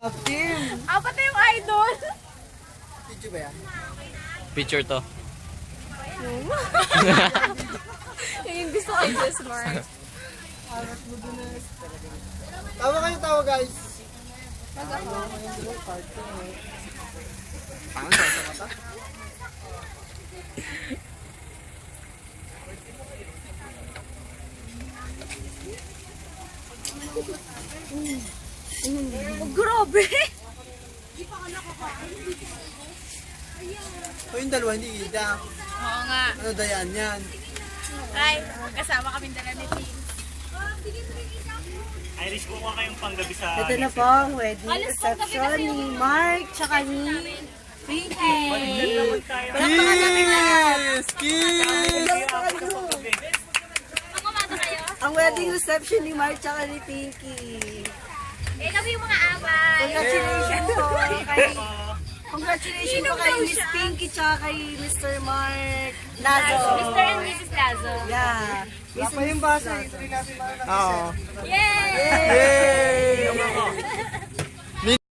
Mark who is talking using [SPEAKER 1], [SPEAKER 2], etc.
[SPEAKER 1] Team!
[SPEAKER 2] Apat na yung idol.
[SPEAKER 1] Video ba yan?
[SPEAKER 3] Picture to.
[SPEAKER 2] Yung gusto ko yung smart.
[SPEAKER 1] Tawa kayo, tawa guys! Pangan sa mata?
[SPEAKER 2] Oh, grabe.
[SPEAKER 1] O yung dalawa, hindi ida.
[SPEAKER 2] Oo nga.
[SPEAKER 1] Ano dayan yan?
[SPEAKER 2] Ay, kasama kami dala ni Team.
[SPEAKER 4] Irish, kukuha kayong panggabi sa...
[SPEAKER 5] Ito na po ang wedding reception ni Mark tsaka ni Pinky.
[SPEAKER 4] naman tayo.
[SPEAKER 1] Kiss! Kiss!
[SPEAKER 2] Kumata kayo?
[SPEAKER 5] Ang wedding reception ni Mark tsaka ni Pinky.
[SPEAKER 2] Eh, kami yung mga away.
[SPEAKER 5] Congratulations po kay Congratulations po kay Miss Pinky tsaka kay Mr. Mark Lazo.
[SPEAKER 2] Mr. and Mrs. Lazo.
[SPEAKER 5] Yeah.
[SPEAKER 1] Wala pa yung basa. Ito rin natin makakasya. Oo.
[SPEAKER 2] Yay!
[SPEAKER 1] Yay!